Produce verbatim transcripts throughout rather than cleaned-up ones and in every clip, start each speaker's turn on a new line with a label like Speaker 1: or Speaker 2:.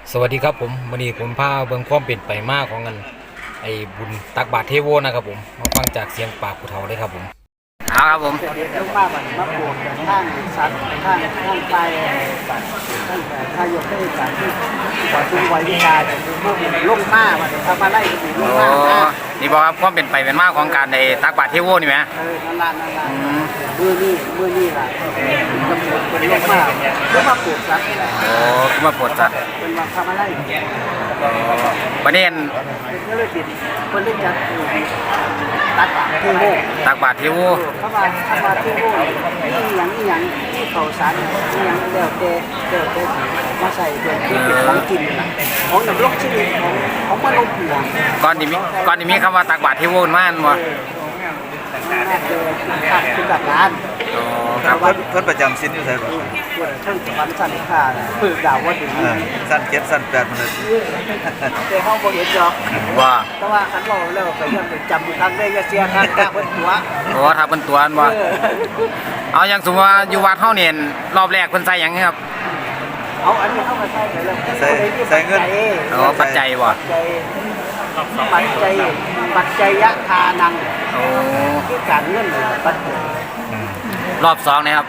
Speaker 1: สวัสดีครับผมวันนี้ผมพาเบิ่งความเป็นไปมาของกันไอ้บุญตักบาตรเทโวนะครับผมมาฟังจากเสียงปากผู้เฒ่าเลยครับผมเอาครับผม
Speaker 2: เด็กลูกป้าบันมะปวกข้างสัตว์ข้างข้างไปข้างถ้ายกให้สัตว์ที่ขอจุงไว้วิชาแต่คือพวกลูกป้าบันทำมาไล่ถึงลูกป้า
Speaker 1: นี่บอกครับความเป็นไปเป็นมาของการในตักบาตรเทโวนี่ไหม
Speaker 2: เออนั่นละนั่นละมือนี่มือนี่ล่ะกำหนดเป็นลูกป้าเพื่อมาปวดสัตว์
Speaker 1: โอ้คือมาปวดสัตว์
Speaker 2: เป็นมาทำมาไล่
Speaker 1: ประเด็น
Speaker 2: ก็เลยติดคนเล่นจัดตักบาตรเทโว
Speaker 1: ตักบาตรเทโว
Speaker 2: เข้ามาเข้ามาเทโวนี่อย่างนี่อย่างที่เขาสารนี่อย่างเดวเดเดวเดมาใส่เดวที่เป็นของกินของน้ำรกชีวิตของของมนุษย์นะ
Speaker 1: ก่อนที่มีก่อนที่มีคำว่าตักบาตรเทโวมาอันบ่
Speaker 2: น่าจะตักคุณตักร้าน
Speaker 1: อ๋อครับ
Speaker 3: เพิ่นประจำสิ้นอยู่ไสบ่
Speaker 2: เพิ่นสวรรค์สันค่าฝึกดาวว่าถึง
Speaker 3: สั้นเจ็ดสั้นแปดมันเลย
Speaker 2: แต่ห้องบ่เห็นหรอก
Speaker 1: ว่า
Speaker 2: แต่ว่าคันเราแล้วก็ยังจำครั้งได้ก็เสียครั้งกะเพิ่นตัว
Speaker 1: โอ้ถ้าเพิ่นตัวอันบ่เอาอย่างสมมุติว่าอยู่วัดเฮาเนี่ยรอบแรกเพิ่นใส่หยังครับ
Speaker 2: เอาอันนี้เข้ามาใส่เลย
Speaker 3: ใส่ใส่เงิน
Speaker 1: อ๋อปัจจัยบ่
Speaker 2: ปัจจัยปัจจัยยะทานัง
Speaker 1: โอ้
Speaker 2: ที่การเงินปัจจัย
Speaker 1: รอบสองนะครับ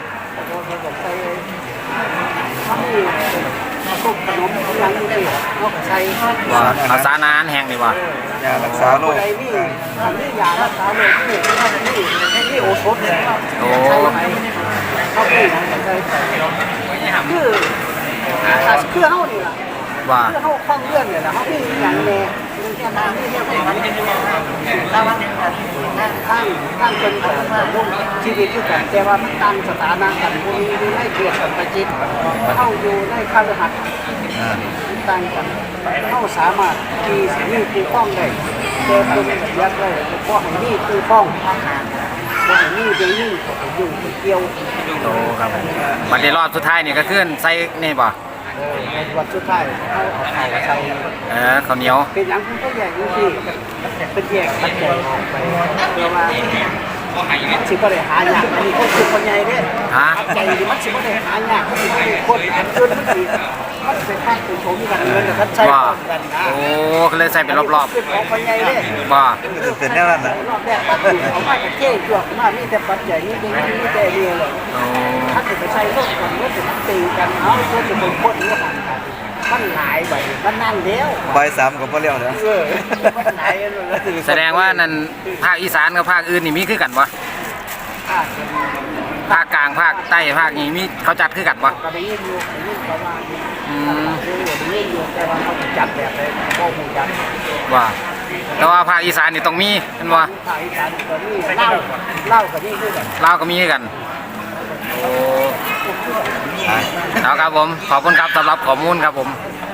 Speaker 2: เขามีพวกขนมยังนี่เขาใช้
Speaker 1: ว่าเอาสารอาหารแห้งนี่ว่
Speaker 3: ยารักษาโรค
Speaker 2: อะไรนี่อันนี้ยารักษาโรคนี่นี่นี่โอทศ
Speaker 1: โอ้
Speaker 2: เขาพี่นะใช้คือคือเขานี่ล่ะ
Speaker 1: ว่า
Speaker 2: คือเขาคล่องเรื่องเนี่ยนะเขาพี่อย่างแน่ข้างข้างคนกับลูกชีวิตที่กันแต่ว่ามันตั้งสถานะกันพวกนี้ไม่เกี่ยวกับประจิตเข้าอยู่ในคาร์หัดตั้งกันเข้าสามารถที่นี่คือฟ้องได้แต่คนแบบยักษ์ได้เพราะนี่คือฟ้องเพราะนี่เดี๋ยวนี้อยู่เกี่ยว
Speaker 1: โตครับวันที่รอบสุดท้ายนี่ก็ขึ้นใส่นี่ป่ะ
Speaker 2: วันสุดท้ายเขาเอาเขาใส่
Speaker 1: เออข้าวเหนียว
Speaker 2: เป็นอย่างคุณก็แยกอยู่ที่เป็นแยกตัดแยกออกไปเพื่อว่าสิบ่ได้หายากอันนี้ก็คือคนใหญ่เด้
Speaker 1: ฮะ
Speaker 2: ใจดีมันสิบ่ได้หายากมันสิบ่ได้คนอันจนมันสิมันเป็นภาคเป็นโฉมกันเงินแต่ท่านใช้กันนะ
Speaker 1: โอ้ก็เลยใส่เป็นรอบ
Speaker 2: ๆเป็นของคนใหญ่เด้
Speaker 1: บ่
Speaker 3: เป็นแนวนั้นน่ะ
Speaker 2: รอบแรกตัดอยู่เอามาจากเท่จวกมามีแต่ปัจจัยนี่เป็นนี่แต่เรียเลยถ้าเกิดไปใช้โลกกันก็จะตีกันเอาเพื่อจะเป็นคนนี้กันมันหลายใบมันนั่นเดียว
Speaker 3: ใบสามกับบ่เลี้ยวเด้อ
Speaker 1: แสดงว่านั่นภาคอีสานกับภาคอื่นนี่มีคือกันบ่ภาคกลางภาคใต้ภาคนี้มีเขาจัดคือกันบ่
Speaker 2: ก็ได้ยินอยู่ได้ยินประมาณอืมได้ยินอยู่แต่ว่าเขาจัดแบบไหนบ่ฮู้จัก
Speaker 1: ว่าแต่ว่าภาคอีสานนี่ต้องมีแม่นบ่
Speaker 2: ภาคอีสานก็มีเล่าเล่าก็มีคือกัน
Speaker 1: ลาวก็มีคือกันโอ้เอาครับผมขอบคุณครับสำหรับข้อมูลครับผม